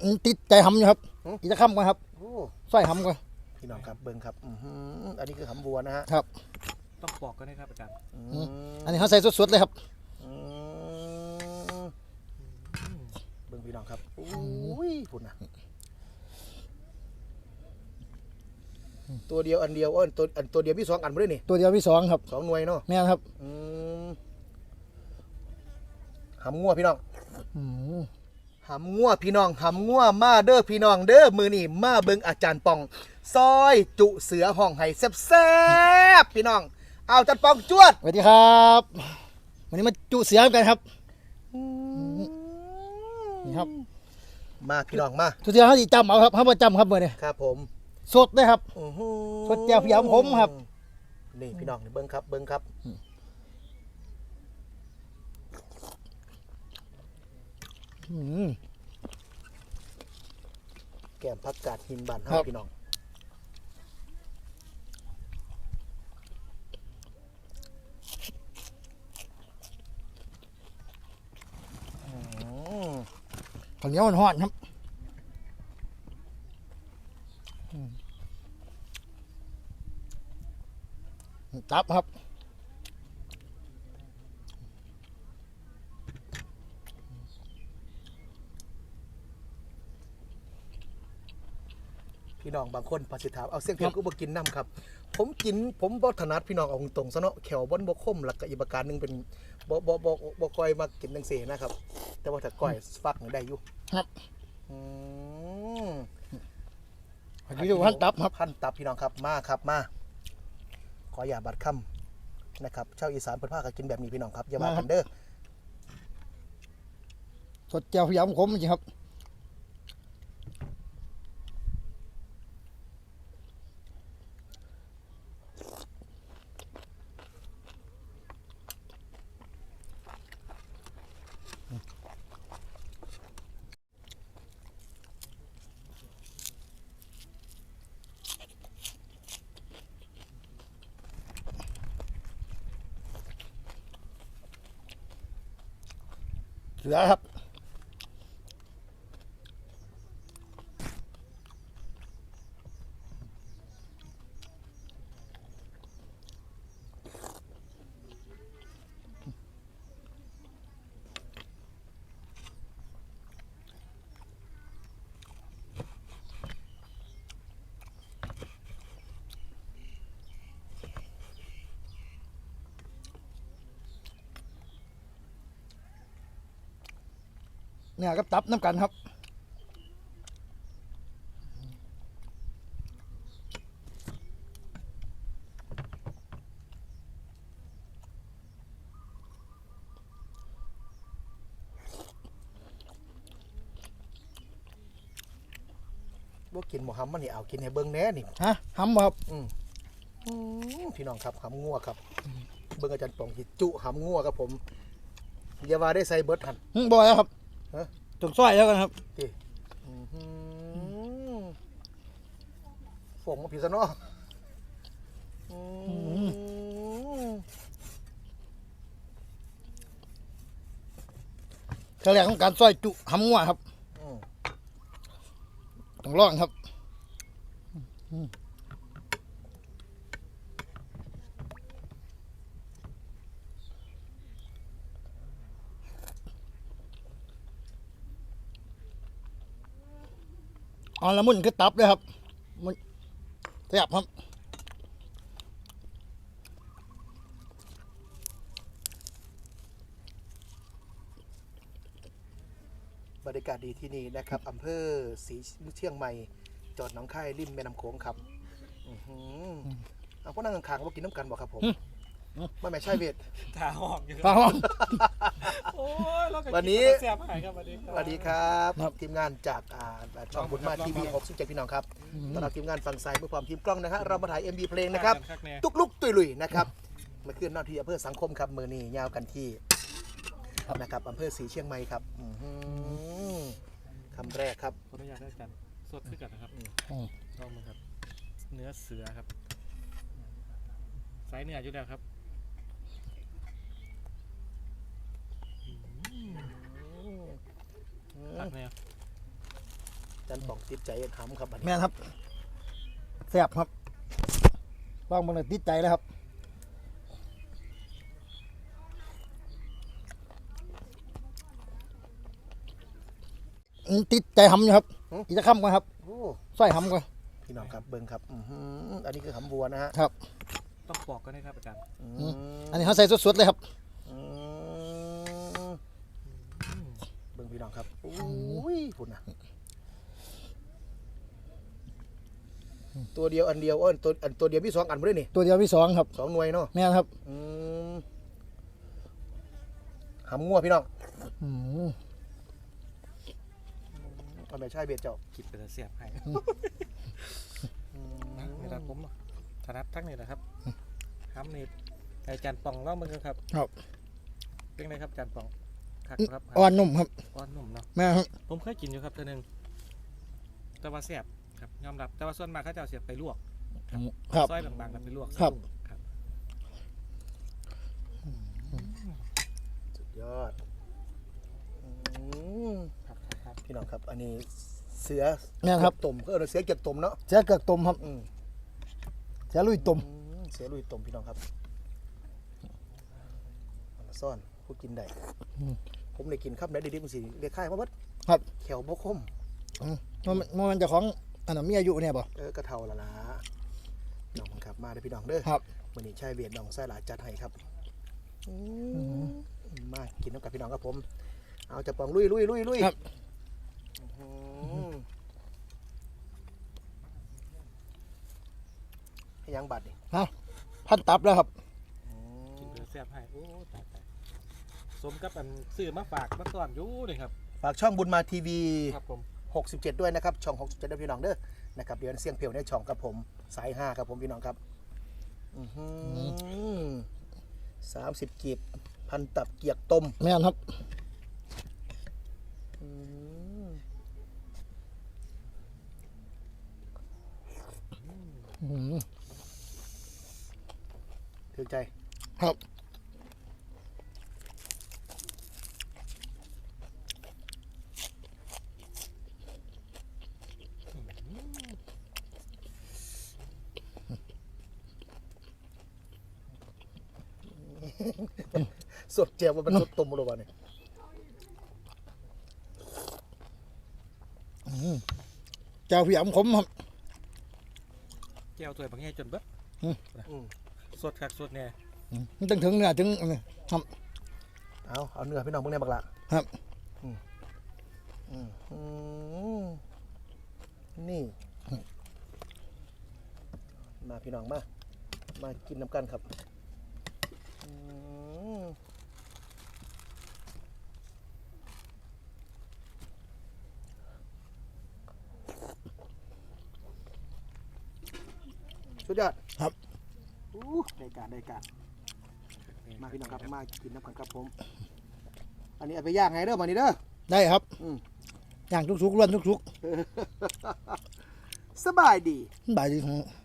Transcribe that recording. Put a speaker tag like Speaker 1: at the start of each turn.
Speaker 1: ติดใจหำอยู่ครับอีกจะค้ำก่อนครับสร้อยหำก่อน
Speaker 2: พี่น้องครับเบิ้งครับอันนี้คือหำบัวนะฮะ
Speaker 1: ครับ
Speaker 3: ต้องปอกก็ได้ครับอาจารย์
Speaker 1: อันนี้เขาใส่สดๆเลยครับ
Speaker 2: เบิ้งพี่น้องครับอุ้ยพุ่นนะตัวเดียวอันเดียวตัวเดียวมี2 อันมาด้วยนี่
Speaker 1: ตัวเดียวมี2ครับ
Speaker 2: 2 หน่วยเนาะ
Speaker 1: แม่นครับ
Speaker 2: หำงัวพี่น้องหำงัวพี่น้องหำงัวมาเด้อพี่น้องเด้อมือนี่มาเบิ่งอาจารย์ปองซอยจุเสือห้องไห้แซ่บๆพี่น้องเอาอาจารย์ปองจวด
Speaker 1: สวัสดีครับวันนี้มาจุเสือกันครับนี่ครับ
Speaker 2: มาพี่น้องมา
Speaker 1: จุเสือเขาดีจำเอาครับเขาประจำครับเมื่อนี้
Speaker 2: ครับผม
Speaker 1: สดเลยครับสดแจ่วพยายามผมครับ
Speaker 2: นี่พี่น้องเบิ้งครับเบิ้งครับแก้มผักกาดหินบานครับพี่น้อง
Speaker 1: ข้าวเหนียวมันห่อนครับตับครับ
Speaker 2: พี่น้องบางคนภาษิถามเอาเสี่ยงเพียงก็บ่กินน้ำครับผมบ่ถนัดพี่น้องเอาตรงซะเนาะแขวบ่บ่คมหลักกับอีกประการนึงเป็นบ่ค่อยมากินจังซี่นะครับแต่ว่าถ้าก้อยฟักนี่ได้อยู่
Speaker 1: ครับ
Speaker 2: อันนี้ดูหั่นตับครับหั่นตับพี่น้องครับมาครับมาขออย่าบัดค่ำนะครับชาวอีสานเพิ่นพากันกินแบบนี้พี่น้องครับอย่าว่ากันเด้อ
Speaker 1: สดแจ่วพยายามผมจริงครับเสือครับเนี่ยก็ตับน้ำกันครับ
Speaker 2: บ่กินหมูหำมันนี่เอากินให้เบิ่งแหน่นี่
Speaker 1: ฮะหำครับ
Speaker 2: พี่น้องครับหำงัวครับเบิ่งอาจารย์ปองที่จุหำงัวครับผมอย่าว่าได้ใส่เบิดหั่น
Speaker 1: บ่แล้วครับจงซอยแล้วกันครับ
Speaker 2: ฝงมาผิดซะเนาะ
Speaker 1: ขั้นแรกของการซอยจุหำงัวครับต้องลองครับเอาละมุนคือตับเลยครับมันแซ่บครับ
Speaker 2: บรรยากาศดีที่นี่นะครับอำเภอศรีเชียงใหม่จอดหนองคายริมแม่น้ำโขงครับเอาพวกนั่งข้างๆว่ากินน้ำกันบ่ครับผมไม่ใช่เวท
Speaker 3: ตาหอมอยู่
Speaker 1: ตาหอม
Speaker 2: วันนี้
Speaker 3: ส
Speaker 2: วัสดีครับทีมงานจากช่องบุญมาทีวี67พี่น้องครับตอนเราทีมงานฝั่งซ้ายเพื่อความทีมกล้องนะฮะเรามาถ่าย MV เพลงนะครับตุกลุกตุยลุยนะครับมาขึ้นนอกที่อำเภอสังคมครับมือนี้ยาวกันที่นะครับอำเภอศรีเชียงใหม่ครับคำแรกครับ
Speaker 3: ขออนุญาตอาจารย์สดขึ้นกันนะครับลองมาครับเนื้อเสือครับไซส์เนื้ออยู่แล้วครับตักเนี่ย
Speaker 2: จันป่องติดใจหำครับบัดนี้
Speaker 1: แม่นครับแซ่บครับลองเบิ่งเลยติดใจเลยครับติดใจหำอยู่ครับอีกจะค้ำก่อนครับ
Speaker 2: โอ้
Speaker 1: สร้อยหำก่อน
Speaker 2: พี่น้องครับเบิ่งครับอันนี้คือหำวัวนะฮะ
Speaker 1: ครับ
Speaker 3: ต้องปอกกันนะครับอาจารย์
Speaker 1: อันนี้เขาใส่สดๆเลยครับ
Speaker 2: อืมเบิ่งพี่น้องครับโอ้ยพุ่นนะตัวเดียวอันเดียวตัวเดียวมี2 อันบ่ได้นี่
Speaker 1: ตัวเดียวพี่สองครับ
Speaker 2: 2 หน่วยเนาะ
Speaker 1: แม่นครับ
Speaker 2: หำงัวพี่น้อง
Speaker 1: อืม
Speaker 2: เอาแม่ชายเบียดเจ้า
Speaker 3: คิดเป็นเสียบให้นี่แหละผมถนัดทั้งนี้แหละครับห้ำนี่อาจารย์ป่องเล่ามาเลยครับ
Speaker 1: ครับ
Speaker 3: เป็นไงครับอาจารย์ป่องคักครับ
Speaker 1: อ่อนนุ่มครับ
Speaker 3: อ่อนนุ่มเนาะ
Speaker 1: แม่ครับ
Speaker 3: ผมเคยกินอยู่ครับเทื่อนึงแต่ว่าเสียบครับยอมรับแต่ว่าส่วนมากเขาจะเอาเสียบไปลวก
Speaker 1: ครับ
Speaker 3: ซอยบางๆกันไปลวก
Speaker 1: ครับ
Speaker 3: ครับ
Speaker 2: สุดยอด
Speaker 3: ครับครับ
Speaker 2: พี่น้องครับอันนี้เสือ
Speaker 1: แม่นครับ
Speaker 2: เก็ตุ่มก็เสือเก็บตุ่มเนาะ
Speaker 1: เสียเกือกต้มครับ
Speaker 2: อืม
Speaker 1: เสียลุยต้ม
Speaker 2: เสือลุยตุ่มพี่น้องครับเอามาซ่อนผู้กินได้ผมได้กินครับได้ดีๆมันสิเรียกค่ายมาเบิด
Speaker 1: ครับ
Speaker 2: แขวบกคม
Speaker 1: มันจะของอันนั้นมีอายุเนี่ยบ่
Speaker 2: กระเทาละละน้องครับมาเด้อพี่น้องเด้อ
Speaker 1: ครับ
Speaker 2: วันนี้ชายเวียดน้องไส้หลาจัดให้ครับมากินน้ำกับพี่น้องครับผมเอาจะปองลุย
Speaker 1: ครับ
Speaker 2: ให้ยังบัตรนี่
Speaker 1: พันตับแล้วครับ
Speaker 3: กินเป็นเสียบให้โอ้ตายสมกับอันซื้อมาฝากมาตอนอยู่เลยครับ
Speaker 2: ฝากช่องบุญมาทีวี
Speaker 3: ครับผม
Speaker 2: 67 ด้วยนะครับ ช่อง 67ด้วยพี่น้องเด้อนะครับเดี๋ยวเสียงเพลวในช่องครับผมสาย5ครับผมพี่น้องครับ30 กีบพันตับเกียกต้ม
Speaker 1: แม่นครับ ถึงใจครับ
Speaker 2: สดเจียวมันเป็นสดต้มหรือเปล่าเนี่ย
Speaker 1: เจ้าพี่อ๋ำขมครับ
Speaker 3: แก้วถ้วยบางแง่จนเบิดสดคักสดแน่
Speaker 1: มันถึงเนื้อถึงอันนี้ครับ
Speaker 2: เอาเนื้อพี่น้องพวกนี้บักละ
Speaker 1: ครับ
Speaker 2: นี่มาพี่น้องมากินน้ำกันครับสุดยอด
Speaker 1: ครับ
Speaker 2: ได้การมาพี่น้องครับมากินน้ำกันครับผม อันนี้เอาไปย่างไงเด้อมานี่เด้อ
Speaker 1: ได้ครับ
Speaker 2: อืม
Speaker 1: ย่างทุกๆล้วนทุก
Speaker 2: สบายดี
Speaker 1: ๆบ่ายดี